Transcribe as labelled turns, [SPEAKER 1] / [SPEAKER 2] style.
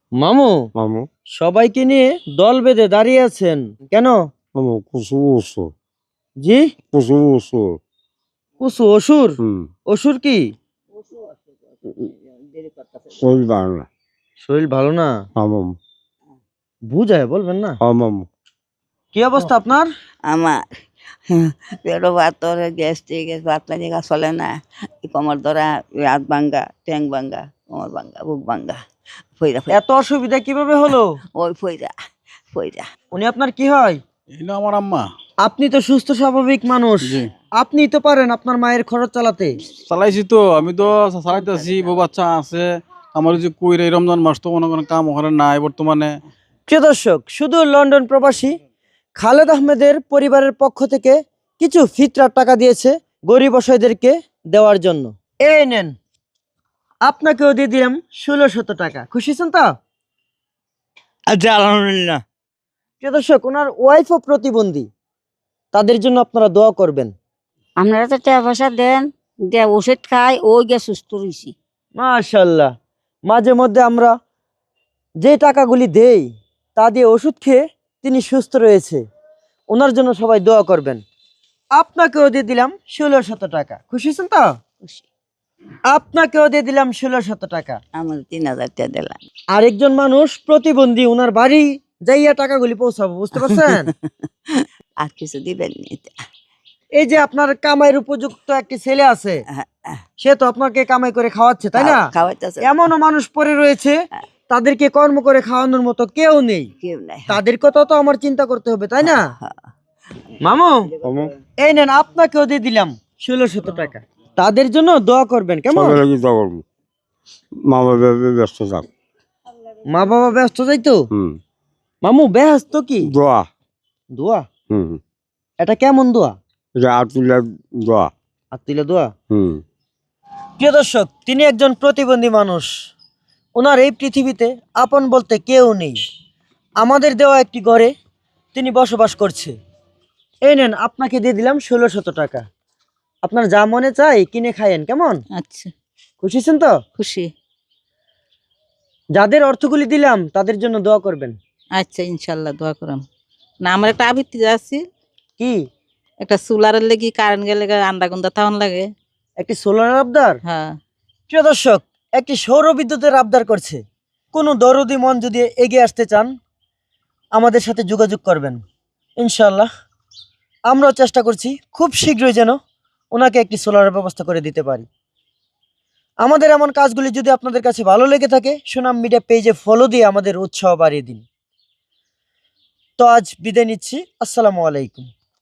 [SPEAKER 1] মামু,
[SPEAKER 2] মামু
[SPEAKER 1] সবাইকে নিয়ে দল বেঁধে দাঁড়িয়ে আছেন কেন?
[SPEAKER 2] মামু কুসু উসু
[SPEAKER 1] জি,
[SPEAKER 2] কুসু উসু
[SPEAKER 1] কুসু অসুর?
[SPEAKER 2] হুম
[SPEAKER 1] অসুর কি?
[SPEAKER 2] শরীর বাংলা
[SPEAKER 1] শরীর ভালো না?
[SPEAKER 2] মামু
[SPEAKER 1] বুঝায় বলবেন না?
[SPEAKER 2] মামু
[SPEAKER 1] কি অবস্থা আপনার?
[SPEAKER 3] আমার পেটও পাথর গ্যাস্ট্রিক পাতলা জায়গা চলে না কোমর ধরা হাত ভাঙ্গা ট্যাং ভাঙ্গা কোমর ভাঙ্গা বুক ভাঙ্গা ফইরা
[SPEAKER 1] এত অসুবিধা কিভাবে হলো?
[SPEAKER 3] ওই ফইরা
[SPEAKER 1] উনি আপনার কি হয়?
[SPEAKER 4] এটা আমার আম্মা।
[SPEAKER 1] আপনি তো সুস্থ স্বাভাবিক মানুষ,
[SPEAKER 4] জি।
[SPEAKER 1] আপনি তো পারেন আপনার মায়ের খরচ চালাতে।
[SPEAKER 4] চালাইছি তো, আমি তো চালাইতেছি, বউ বাচ্চা আছে আমার। যে কইরে এই রমজান মাস তো মনে করেন কাম ওখানে নাই বর্তমানে।
[SPEAKER 1] প্রিয় দর্শক, শুধু লন্ডন প্রবাসী খালেদ আহমেদের পরিবারের পক্ষ থেকে কিছু ফিতরার টাকা দিয়েছে গরিব অসহায়দেরকে দেওয়ার জন্য। এই নেন, আপনাকেও দিয়ে দিলাম 1600 টাকা। খুশি হয়েছেন তো?
[SPEAKER 5] আচ্ছা, আলহামদুলিল্লাহ।
[SPEAKER 1] প্রিয় দর্শক, ওনার ওয়াইফও প্রতিবন্ধী, তাদের জন্য আপনারা দোয়া করবেন।
[SPEAKER 6] আপনারা তো টাকা পয়সা দেন, দিয়ে ওষুধ খাই, ওই গিয়ে সুস্থ রয়েছি।
[SPEAKER 1] মাশাআল্লাহ, মাঝে মধ্যে আমরা যে টাকাগুলি দেই তা দিয়ে ওষুধ খেয়ে তিনি সুস্থ রয়েছে। ওনার জন্য সবাই দোয়া করবেন। আপনাকেও দিয়ে দিলাম 1600 টাকা। খুশি হয়েছেন তো?
[SPEAKER 3] খুশি।
[SPEAKER 1] আপনাকেও দিয়ে দিলাম 1600 টাকা।
[SPEAKER 3] আমার 3000 টাকা দিলাম।
[SPEAKER 1] আরেকজন মানুষ প্রতিবন্ধী, ওনার বাড়ি যাইয়া টাকাগুলি পৌঁছাবো, বুঝতে পারছেন?
[SPEAKER 3] আর কিছু দিবেন নি?
[SPEAKER 1] এই যে আপনার কামাইয়ের উপযুক্ত একটি ছেলে আছে, সে তো আপনাকে কামাই করে খাওয়াচ্ছে, তাই না?
[SPEAKER 3] খাওয়াইতেছে
[SPEAKER 1] এমনও মানুষ পড়ে রয়েছে তাদেরকে কর্ম করে খাওয়ানোর মতো কেউ নেই,
[SPEAKER 3] কেউ নাই।
[SPEAKER 1] তাদের কথা তো আমার চিন্তা করতে হবে, তাই না? মামু,
[SPEAKER 2] মামু
[SPEAKER 1] এই নেন, আপনাকেও দিয়ে দিলাম 1600 টাকা। তাদের জন্য দোয়া করবেন, কেমন?
[SPEAKER 2] সবাই লাগি দোয়া করবো। মামা ব্যস্ত থাক।
[SPEAKER 1] মা বাবা ব্যস্ত যাইতো।
[SPEAKER 2] হুম
[SPEAKER 1] মামু ব্যস্ত কি?
[SPEAKER 2] দোয়া
[SPEAKER 1] দোয়া?
[SPEAKER 2] হুম
[SPEAKER 1] এটা কেমন দোয়া?
[SPEAKER 2] এটা আতুল্লাহ দোয়া
[SPEAKER 1] আত্মিলা দোয়া।
[SPEAKER 2] হুম
[SPEAKER 1] প্রিয় দর্শক, তিনি একজন প্রতিবন্ধী মানুষ, ওনার এই পৃথিবীতে আপন বলতে কেউ নেই। আমাদের দেওয়া একটি ঘরে তিনি বসবাস করছে। এই নেন, আপনাকে দিয়ে দিলাম 1600 টাকা। আপনার যা মনে চাই কিনে খায়েন, কেমন?
[SPEAKER 3] আচ্ছা,
[SPEAKER 1] খুশি হয়েছেন তো?
[SPEAKER 3] খুশি।
[SPEAKER 1] যাদের অর্থগুলি দিলাম তাদের জন্য দোয়া করবেন।
[SPEAKER 3] আচ্ছা, ইনশাল্লাহ দোয়া করাম। না, আমার একটা আবৃত্তি আছে,
[SPEAKER 1] কি?
[SPEAKER 3] একটা সোলারের লেগে কারেন্ট গেলে আন্দা গুন্দা থাউন লাগে।
[SPEAKER 1] একটি সোলার আবদার?
[SPEAKER 3] হ্যাঁ।
[SPEAKER 1] প্রিয় দর্শক, একটি সৌর বিদ্যুতের আবদার করছে। কোনো দরদি মন যদি এগিয়ে আসতে চান আমাদের সাথে যোগাযোগ করবেন। ইনশাল্লাহ আমরাও চেষ্টা করছি খুব শীঘ্রই যেন ওনাকে একটি সোলারের ব্যবস্থা করে দিতে পারি। আমাদের এমন কাজগুলি যদি আপনাদের কাছে ভালো লেগে থাকে, সুনাম মিডিয়া পেজে ফলো দিয়ে আমাদের উৎসাহ বাড়িয়ে দিন। তো আজ বিদায় নিচ্ছি। আসসালামু আলাইকুম।